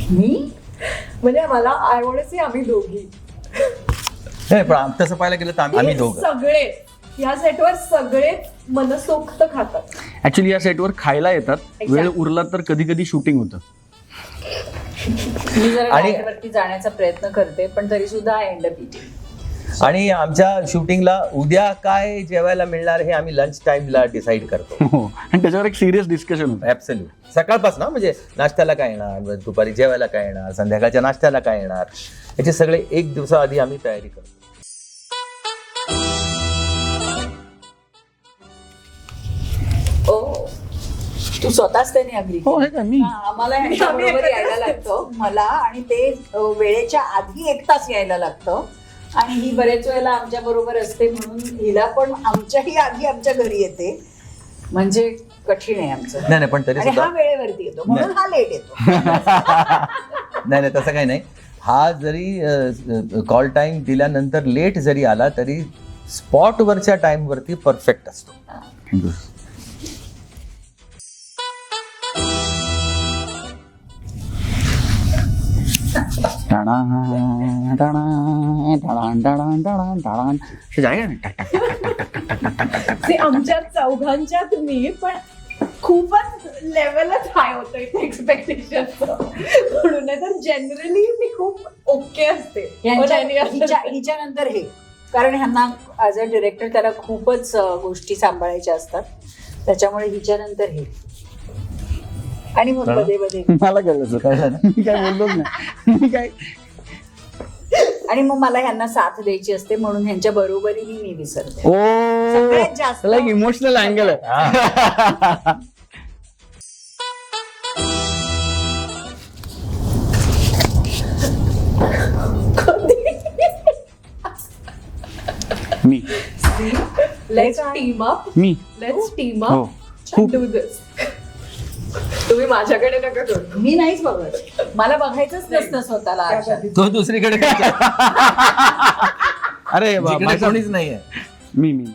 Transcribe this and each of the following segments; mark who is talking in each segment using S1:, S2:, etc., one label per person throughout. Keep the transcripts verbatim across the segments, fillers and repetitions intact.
S1: मी म्हणजे मला I want to से आम्ही दोघी
S2: नाही पण तसं पाहायला गेलं तर आम्ही आम्ही दोघं
S1: सगळे या सेटवर सगळे मनसोक्त खातात.
S3: ऍक्च्युली या सेटवर खायला येतात वेळ उरला तर कधी कधी शूटिंग होतं.
S4: मी जरा
S2: आणि-
S4: diet वरती जाण्याचा प्रयत्न करते पण तरी सुद्धा आय एंड अप इटिंग.
S2: आणि आमच्या शूटिंगला उद्या काय जेवायला मिळणार हे आम्ही लंच टाइमला डिसाईड करतो.
S3: हो आणि त्याच्यावर एक सिरियस डिस्कशन होतं.
S2: ऍब्सल्यूट सकाळपासून म्हणजे नाश्त्याला काय येणार, दुपारी जेवायला काय येणार, संध्याकाळच्या नाश्त्याला काय येणार, याचे सगळे एक दिवसाआधी आम्ही तयारी करतो.
S4: ओ तू स्वतःच त्याने अग्री
S3: हो हे काय मी
S4: आम्हाला ह्यांच्याबरोबर यायला लागतं मला आणि ते अ, वेळेच्या आधी एक तास यायला लागतं आणि ही बरेच वेळेला आमच्या बरोबर असते म्हणून हिला पण आमच्याही आधी आमच्या घरी येते म्हणजे कठीण आहे आमचं.
S2: नाही नाही पण तरी
S4: आणि
S2: सुद्धा
S4: हा वेळेवरती येतो म्हणून हा लेट येतो.
S2: नाही नाही तसं काही नाही. हा जरी कॉल टाइम दिल्यानंतर लेट जरी आला तरी स्पॉटवरच्या टाइमवरती परफेक्ट असतो.
S3: थँक्यू.
S1: ते आमच्या चौघांच्यात मी पण खूपच लेवलच हाय होतं एक्सपेक्टेशन म्हणून नाही तर जनरली मी खूप ओके असते.
S4: यांच्या-
S1: पण यांनी
S4: हिच्या
S1: असं-
S4: हिच्या नंतर हे कारण ह्यांना ॲज अ डिरेक्टर त्याला खूपच अ, गोष्टी सांभाळायच्या असतात त्याच्यामुळे हिच्या नंतर हे आणि मग
S2: कळलं?
S4: मध्ये मध्ये
S3: मला कळलं सर.
S2: कळलं ना?
S3: मी काय बोललोच नाही. मी काय
S4: आणि मग मला ह्यांना साथ द्यायची असते म्हणून ह्यांच्या बरोबरीने मी विसरते.
S3: ओ
S4: सगळ्यात जास्त
S3: त्याला एक इमोशनल अँगल आहे. मी
S1: लेट्स टीम अप
S3: मी
S1: लेट्स टीम
S3: हो
S1: अप
S3: खूप
S1: डू दिस. तुम्ही माझ्याकडे नका करू.
S4: मी नाहीच बघत मला बघायचंच नसतं स्वतःला आरशात.
S2: तो दुसरीकडे काय?
S3: अरे वा,
S2: जिकडे
S3: माझं-
S2: कोणीच नाहीये.
S3: मी मी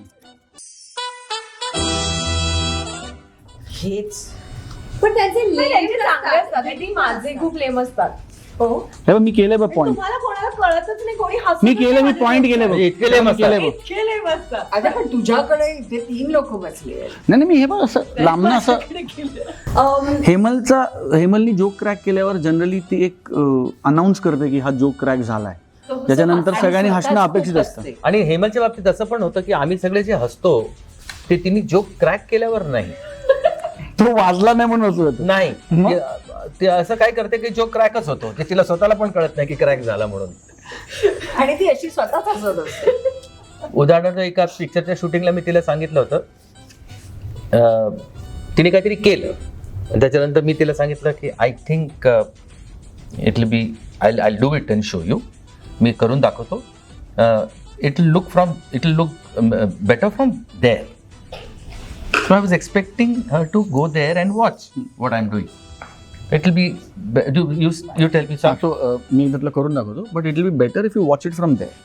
S4: हेच
S1: पण त्यांचे लेम चांगले असतात आणि माझे खूप लेम असतात. हो
S3: हे बघ, मी केलंय बघ पॉइंट.
S1: तुम्हाला कोणाला कळतच नाही कोणी हसून
S3: मी केलं मी पॉइंट केले बघ.
S2: म्हणजे इतके lame असतात.
S3: केलंय बघ.
S1: इतके लेम असतात.
S4: आता पण तुझ्याकडे इथे तीन लोक बसले आहेत.
S3: नाही नाही, मी हे बघ असं लांबनं असं
S1: माझ्याकडे केलं. अम,
S3: हेमलचा हेमलनी जोक क्रॅक केल्यावर जनरली ती एक अनाऊन्स करते की हा जोक क्रॅक झालाय.
S1: तो हसतो
S3: त्याच्यानंतर
S4: आणि
S3: सगळ्यांनी
S4: स्वतःच
S3: हसणं
S4: खूप
S3: अपेक्षित असतं.
S4: असते.
S2: आणि हेमलच्या बाबतीत असं पण होतं की आम्ही सगळे जे हसतो ते तिने जोक क्रॅक केल्यावर नाही
S3: तो वाजला नाही म्हणून हसू येतं.
S2: नाही
S3: मग?
S2: ते- ते असं काय करते की जोक क्रॅकच होतो ते तिला स्वतःला पण कळत नाही की क्रॅक झाला म्हणून.
S4: आणि ती अशी स्वतःच हसत असते.
S2: उदाहरणार्थ एका पिक्चरच्या शूटिंगला मी तिला सांगितलं होतं अं, तिने काहीतरी केलं आणि त्याच्यानंतर मी तिला सांगितलं की I think it will be I I do it and show you. मी करून दाखवतो. It will look from it will look better from there. So I was expecting her to go there and watch what I am doing. It will be you you tell me सांग.
S3: So मी त्यातलं करून दाखवतो but it will be better if you watch it from there.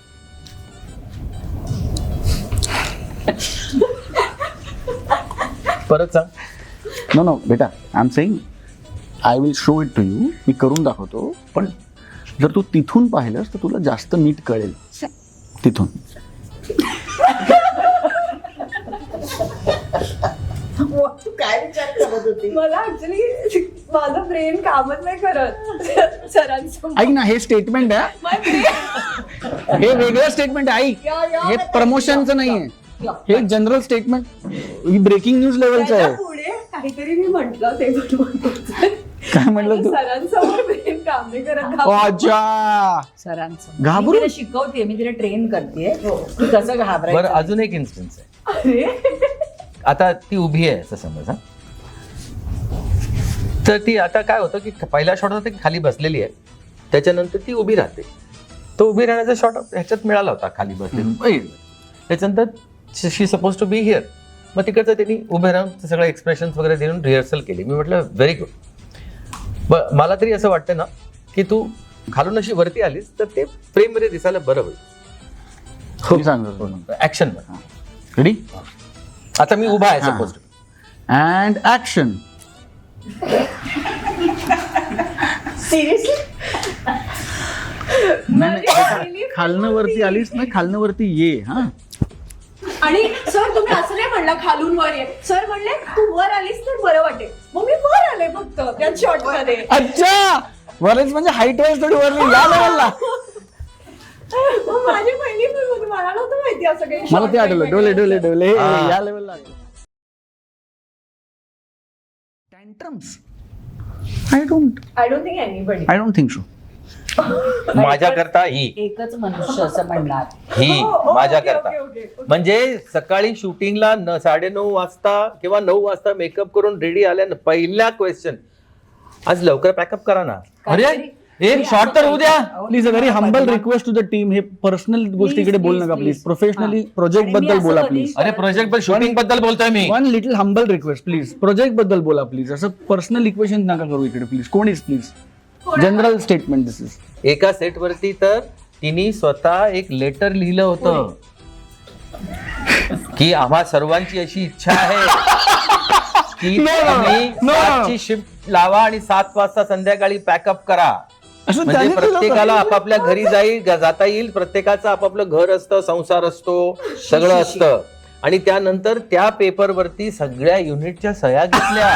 S2: परत सांग.
S3: No no बेटा I am saying I will show it to you. मी करून दाखवतो पण जर तू तिथून पाहिलंस तर तुला जास्त नीट कळेल तिथून.
S4: तू काय विचार करत होती?
S1: मला ऍक्च्युली माझं ब्रेन कामच नाही करत सरांसमोर.
S3: ऐक ना हे स्टेटमेंट आहे.
S1: My brain-
S3: हे वेगळं स्टेटमेंट आहे. ऐक
S4: या- या
S3: हे
S4: बेटा,
S3: प्रमोशनचं नाहीये.
S4: या.
S3: हे जनरल स्टेटमेंट ही ब्रेकिंग न्यूज लेवलचं
S1: त्याच्या
S3: आहे.
S1: पुढे काहीतरी मी म्हटलं ते पण म्हणतो.
S3: काय म्हटलं तू?
S1: सरांसमोर ब्रेन काम नाही करत.
S3: ओ, अच्छा
S4: सरांचं
S3: घाबरून?
S4: मी तिला शिकवते मी तिला ट्रेन करते की कसं
S2: बरं
S4: घाबरायचं.
S2: अजून एक इन्स्टन्स आहे.
S1: अरे
S2: आता ती उभी आहे असं समज हा. तर ती आता काय होतं की पहिल्या शॉट होता ती खाली बसलेली आहे त्याच्यानंतर ती उभी राहते. तो उभी राहण्याचा शॉट ह्याच्यात मिळाला होता खाली बसलेली. त्याच्यानंतर she suppose to be here. मग तिकडचं त्यांनी उभे राहून सगळं एक्सप्रेशन वगैरे देऊन रिहर्सल केली. मी म्हटलं व्हेरी गुड. ब मला तरी असं वाटतं ना की तू खालून अशी वरती आलीस तर ते फ्रेममध्ये दिसायला बरं होईल.
S3: हो सांगतो
S2: ऍक्शन
S3: रेडी
S2: आता मी उभा आहे
S3: हा.
S2: Suppose
S3: and action.
S4: सिरियसली
S3: नाही खालनं वरती आलीस ना, खालनं वरती ये. हा
S1: आणि सर तुम्ही असं नाही म्हणला खालून वर ये, सर म्हणले तू वर आलीस तर बरं वाटेल, मग मी वर आले फक्त त्या शॉर्ट मध्ये.
S3: अच्छा, वरच म्हणजे हाईट वाईज थोडी वरली या लेवलला.
S1: मग माझी पहिली फिल्म होती, मला नव्हतं माहिती असं काही.
S3: मला ते आठवलं, डोले डोले डोले
S2: हा.
S3: या लेवलला. Tantrums I don't
S1: I don't think anybody.
S3: I don't think so.
S2: माझ्या करता ही
S4: एकच मनुष्य असं म्हणणार.
S2: ही
S1: हो, हो,
S2: माझ्या
S1: ओके,
S2: करता
S1: ओके, ओके, ओके.
S2: म्हणजे सकाळी शूटिंगला न साडेनऊ वाजता किंवा नऊ वाजता मेकअप करून रेडी आल्या ना, पहिला क्वेश्चन आज लवकर पॅकअप करा ना. अरे एक शॉर्ट तर होऊ द्या.
S3: Please a very humble request to the team. हे पर्सनल गोष्टीकडे बोल नका प्लीज. प्रोफेशनली प्रोजेक्ट बद्दल बोला प्लीज.
S2: अरे प्रोजेक्ट बद्दल शूटिंग बद्दल बोलतोय मी.
S3: One little humble request please. Project बद्दल बोला प्लीज. असं पर्सनल इक्वेशन नका करू इकडे प्लीज. कोणीच please. General statement this is.
S2: एका सेट वरती तर तिने स्वतः एक लेटर लिहिलं होतं की आम्हा सर्वांची अशी इच्छा आहे की
S3: No, no, no.
S2: तुम्ही
S3: No, no.
S2: सातची शिफ्ट लावा आणि सात वाजता संध्याकाळी पॅकअप करा.
S3: असं
S2: म्हणजे
S3: त्याने केलं
S2: प्रत्येकाला
S3: होतं.
S2: आपापल्या घरी जाईल जाता येईल. प्रत्येकाचं आपापलं घर असतं, संसार असतो, सगळं असतं. आणि त्यानंतर त्या पेपर वरती सगळ्या युनिटच्या सह्या घेतल्या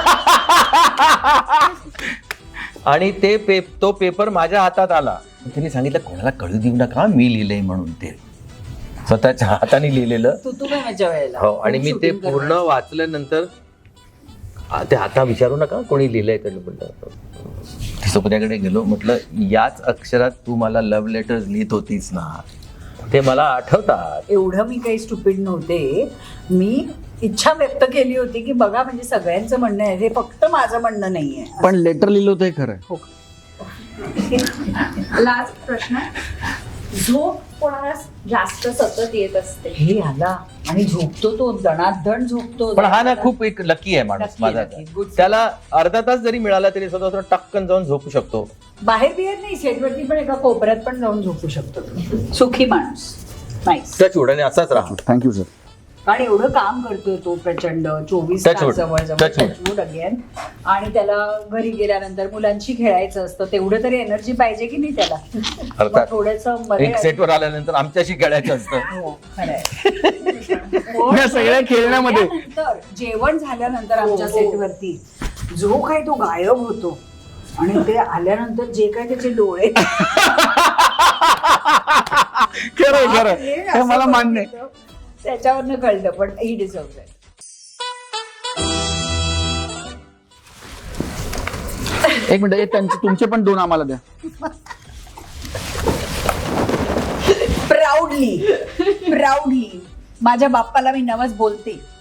S2: आणि ते पे तो पेपर माझ्या हातात आला. त्यांनी सांगितलं कोणाला कळू देऊ नका मी लिहिलंय म्हणून. ते स्वतःच्या हाताने लिहिलेलं.
S4: तू तू काय माझ्या वेळेला
S2: हो. आणि मी ते पूर्ण वाचल्यानंतर आ, ते आता विचारू नका कोणी लिहिलंय तर म्हटलं सोपत्याकडे गेलो. म्हटलं याच अक्षरात तू मला लव्ह लेटर्स लिहित होतीस ना, ते मला आठवतात.
S4: एवढं मी काही स्टुपिड नव्हते. मी इच्छा व्यक्त केली होती की बघा म्हणजे सगळ्यांचं म्हणणं आहे, हे फक्त माझं म्हणणं नाहीये.
S3: पण लेटर लिहिलं होतं हे खरं.
S4: हो.
S1: लास्ट प्रश्न. झोप कोणाला जास्त सतत येत असते?
S4: हे आला आणि झोपतो तो दणादण झोपतो.
S2: पण हा ना खूप एक लकी आहे माणूस
S4: Lucky,
S2: माझा.
S4: lucky, good.
S2: त्याला अर्धा तास जरी मिळाला तरी स्वतः स्वतः टक्कन जाऊन झोपू शकतो.
S4: बाहेर बिहेर नाही, सेटवरती पण एका कोपऱ्यात पण जाऊन झोपू शकतो तो. सुखी माणूस. नाईस.
S2: त्या चुडाने असाच राहा.
S3: Thank you sir.
S4: कारण एवढं काम करतोय तो प्रचंड चोवीस
S2: Touch
S4: तास
S2: wood.
S4: जवळ जवळ
S2: Touch wood.
S4: Touchwood again. आणि त्याला घरी गेल्यानंतर मुलांशी खेळायचं असतं, तेवढं तरी एनर्जी पाहिजे की नाही त्याला.
S2: अर्थात.
S4: थोडस
S2: एक सेटवर आल्यानंतर आमच्याशी खेळायचं असतं.
S4: हो खरंय.
S3: या सगळ्या खेळण्यामध्ये
S4: त्यानंतर जेवण झाल्यानंतर आमच्या
S1: हो, हो.
S4: सेटवरती जो काही तो गायब होतो आणि ते आल्यानंतर जे काही त्याचे डोळे
S3: खरंय खरं
S4: हे
S3: हे
S4: असं
S3: मला मान्य आहे.
S4: बघितलं, त्याच्यावरनं कळलं. पण ही डिझर्व्ह आहे.
S3: एक मिनिट हे त्यांचे तुमचे पण दोन आम्हाला द्या.
S4: प्राऊडली प्राऊडली माझ्या बाप्पाला मी नवस बोलते